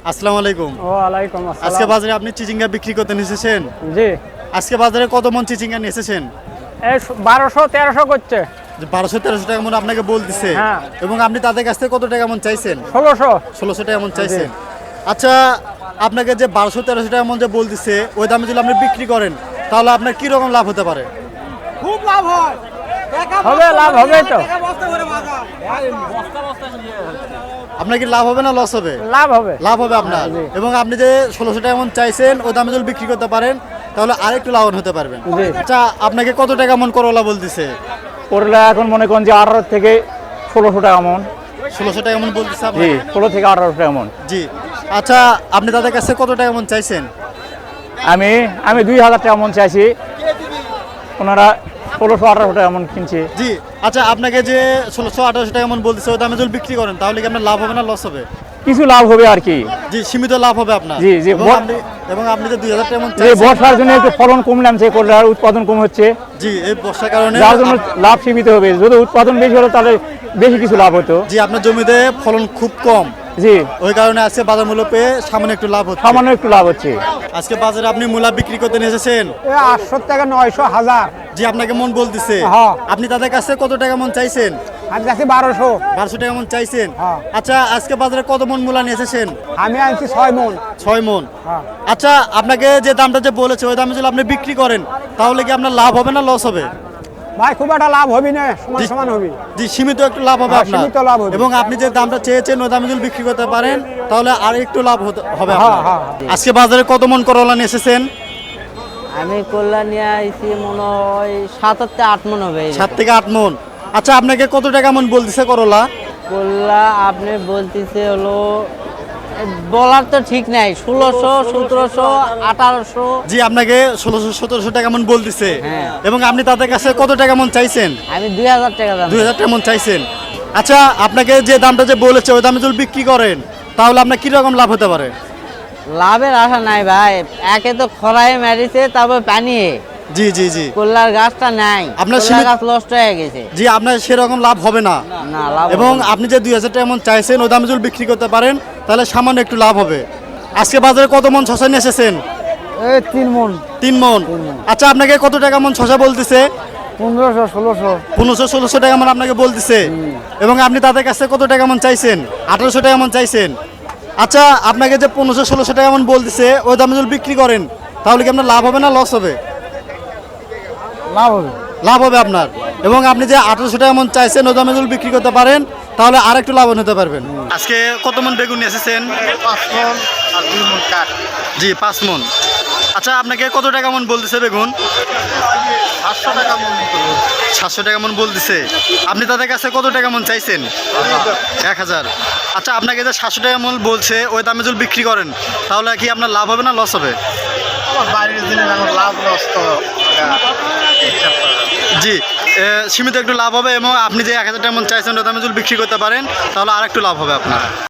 আসসালামু আলাইকুম। ওয়ালাইকুম আজকে আসসালাম। বাজারে আপনি চিচিঙ্গা বিক্রি করতে এসেছেন। জি, আজকে বাজারে কত মন চিচিঙ্গা নিয়ে এসেছেন? এই 1200-1300 করছে। 1200-1300 টাকা মন আপনাকে বলতেছে। হ্যাঁ। এবং আপনি তাদের কাছ থেকে কত টাকা মন চাইছেন? 1600। 1600 টাকা মন চাইছেন। আচ্ছা, আপনাকে যে 1200-1300 টাকা মন যে বলতেছে ওই দামে যদি আপনি বিক্রি করেন তাহলে আপনার কি রকম লাভ হতে পারে? খুব লাভ হয়। হবে, লাভ হবে তো। আপনার কি লাভ হবে না লস হবে? লাভ হবে। লাভ হবে আপনার। জি। এবং আপনি যে 1600 টাকা মন চাইছেন ওই দামে যদি বিক্রি করতে পারেন তাহলে আরেকটু লাভবান হতে পারবেন। জি। আচ্ছা, আপনাকে কত টাকা মন করলা বলতেছে? করলা এখন মনে করেন যে 18 থেকে 1600 টাকা মন। 1600 টাকা মন বলতেছে জি, আপনাকে? 16 থেকে 1800 টাকা মন। জি। আচ্ছা, আপনি তাদের কাছে কত টাকা মন চাইছেন? আমি 2000 টাকা মন চাইছি, ওনারা 1600-1800 টাকা মন কিনছে। জি। আচ্ছা, আপনাকে যে 1600-1800 টাকা মন বলতেছে ওই দামে যদি বিক্রি করেন তাহলে কি আপনার লাভ হবে না লস হবে? কিছু লাভ হবে আর কি। জি, সীমিত লাভ হবে আপনার। জি, জি। এবং আপনি যে 2000 টাকা মন এই চাইছেন। বর্ষার জন্য একটু ফলন কম নামছে, করলার উৎপাদন কম হচ্ছে, জি, এই বর্ষার কারণে যার জন্য লাভ সীমিত হবে। যদি উৎপাদন বেশি হলো তাহলে বেশি কিছু লাভ হতো। জি, আপনার জমিতে ফলন খুব কম, জি, ওই কারণে আজকে বাজার মূল্য পেয়ে সামান্য একটু লাভ হচ্ছে। সামান্য একটু লাভ হচ্ছে। আজকে বাজারে আপনি মূলা বিক্রি করতে নিয়ে এসেছেন। 800 থেকে 900 1000। জি, আপনাকে মন বলতেছে। হ্যাঁ। আপনি তাদের কাছে কত টাকা মন চাইছেন? আমি কাছে 1200। 1200 টাকা মন চাইছেন। হ্যাঁ। আচ্ছা, আজকে বাজারে কত মন মূলা নিয়ে এসেছেন? আমি আনছি 6 মন। 6 মন। হ্যাঁ। আচ্ছা, আপনাকে যে দামটা যে বলেছে ওই দামে যদি আপনি বিক্রি করেন তাহলে কি আপনার লাভ হবে না লস হবে? ভাই খুব একটা লাভ হবে না, সমান সমান হবে। জি, সীমিত একটু লাভ হবে হ্যাঁ, আপনার। সীমিত লাভ হবে। এবং আপনি যে দামটা চেয়েছেন ওই দামে যদি বিক্রি করতে পারেন তাহলে আর একটু লাভ হবে হ্যাঁ, আপনার। হ্যাঁ। আজকে বাজারে কত মন করলা নিয়ে এসেছেন? আমি করলা নিয়ে আইছি মনে হয় 7-8 মন হবে। 7 থেকে 8 মন। আচ্ছা, আপনাকে কত টাকা মন বলতেছে করলা? করলা আপনি বলতেছে হলো বলার তো ঠিক নাই, 1600, 1700, 1800। জি, আপনাকে 1600-1700 টাকা মন বলতেছে। হ্যাঁ। এবং আপনি তাদের কাছে কত টাকা মন চাইছেন? আমি 2000 টাকা দাম। 2000 টাকা মন চাইছেন। আচ্ছা, আপনাকে যে দামটা যে বলেছে ওই দামে যদি বিক্রি করেন তাহলে আপনার কি রকম লাভ হতে পারে? লাভের আশা নাই ভাই, একে তো খরায় মেরেছে, তারপর পানি। জি, জি, জি। করলার গাছটা নাই, আপনার করলার গাছ নষ্ট হয়ে গেছে। জি, আপনার সেরকম লাভ হবে না। না, লাভ এবং হবে না। আপনি যে 2000 টাকা মন চাইছেন ওই দামে যদি বিক্রি করতে পারেন তাহলে সামান্য একটু লাভ হবে। আজকে বাজারে কত মন শসা নিয়ে এসেছেন? এই 3 মন। 3 মন। আচ্ছা, আপনাকে কত টাকা মন শসা বলতেছে? 1500 1600। 1500-1600 টাকা মন আপনাকে বলতেছে। এবং আপনি তাদের কাছে কত টাকা মন চাইছেন? 1800 টাকা মন চাইছেন। আচ্ছা, আপনাকে যে 1500-1600 টাকা মন বলতেছে ওই দামে যদি বিক্রি করেন তাহলে কি আপনার লাভ হবে না লস হবে? লাভ হবে। লাভ হবে আপনার। এবং আপনি যে 1800 টাকা মন চাইছেন ওই দামে যদি বিক্রি করতে পারেন তাহলে আর একটু লাভবান হতে পারবেন। আজকে কত মন বেগুন নিয়ে এসেছেন? 5 মন আর 2 মন কাঠ। জি, 5 মন। আচ্ছা, আপনাকে কত টাকা মন বলতেছে বেগুন? 700 টাকা মন মতো বলছে। 700 টাকা মন বলতেছে। আপনি তাদের কাছে কত টাকা মন চাইছেন? 1000। আচ্ছা, আপনাকে যে 700 টাকা মন বলছে ওই দামে যদি বিক্রি করেন তাহলে কি আপনার লাভ হবে না লস হবে? আমার বাইরের জিনিস এখন লাভ লস তো হিসাব করা যাবে না। জি, সীমিত একটু লাভ হবে। এবং আপনি যে 1000 টাকা মন চাইছেন ওই দামে যদি বিক্রি করতে পারেন তাহলে আর একটু লাভ হবে আপনার।